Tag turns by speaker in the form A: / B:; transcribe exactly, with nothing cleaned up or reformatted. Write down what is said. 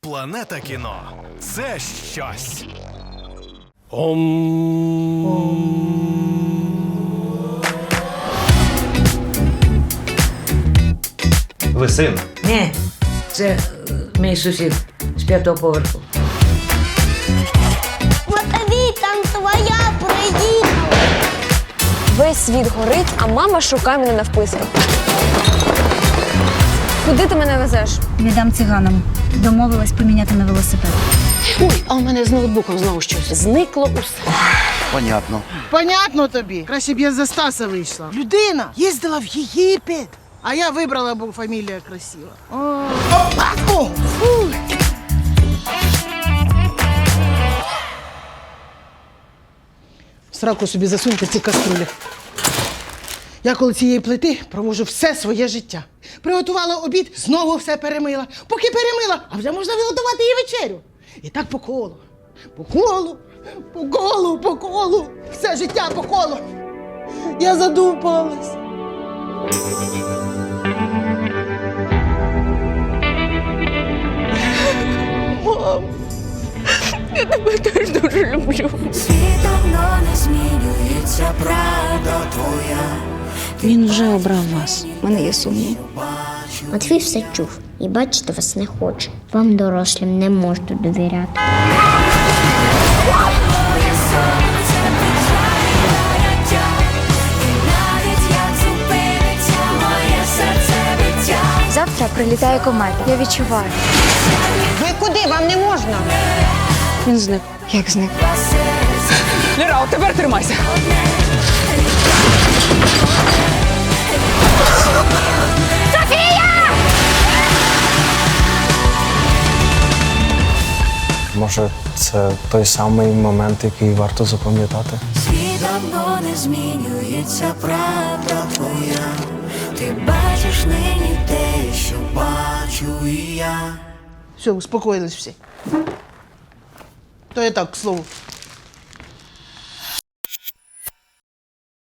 A: Планета кіно – це щось.
B: Ви син?
C: Ні, це е, мій сусід з п'ятого поверху.
D: Матвій, там твоя приїхала.
E: Весь світ горить, а мама шукає мене навписки. Куди ти мене везеш?
F: Віддам циганам. Домовилась поміняти на велосипед.
G: Ой, а у мене з ноутбуком знову щось. Зникло усе.
H: Понятно.
I: Понятно тобі. Краще б я за Стаса вийшла. Людина їздила в Єгипет. А я вибрала, бо фамілія красива. О. Опа! О! Фу! Сраку собі засуньте ці каструлі. Я коло цієї плити провожу все своє життя. Приготувала обід, знову все перемила. Поки перемила, а вже можна виготувати і вечерю. І так по колу. По колу, по колу, по колу. Все життя по колу. Я задумалась. Мам,
E: Я тебе теж дуже люблю.
J: Світ давно не змінюється, правда твоя.
G: Він вже обрав вас.
F: У мене є сумнів.
D: Матвій все чув і бачити вас не хоче. Вам, дорослим, не можна довіряти.
J: Моє сонце витрачає життя. І навіть як зупиниться моє серце биття.
E: Завтра прилітає комета. Я відчуваю.
I: ви куди? Вам не можна.
G: Він зник.
E: Як зник?
G: Ліра, от тепер тримайся.
K: Може, це той самий момент, який варто запам'ятати?
J: Світ давно не змінюється, правда твоя. Ти бачиш нині те, що бачу і я.
I: Все, успокоїлись всі. То я так, к слову.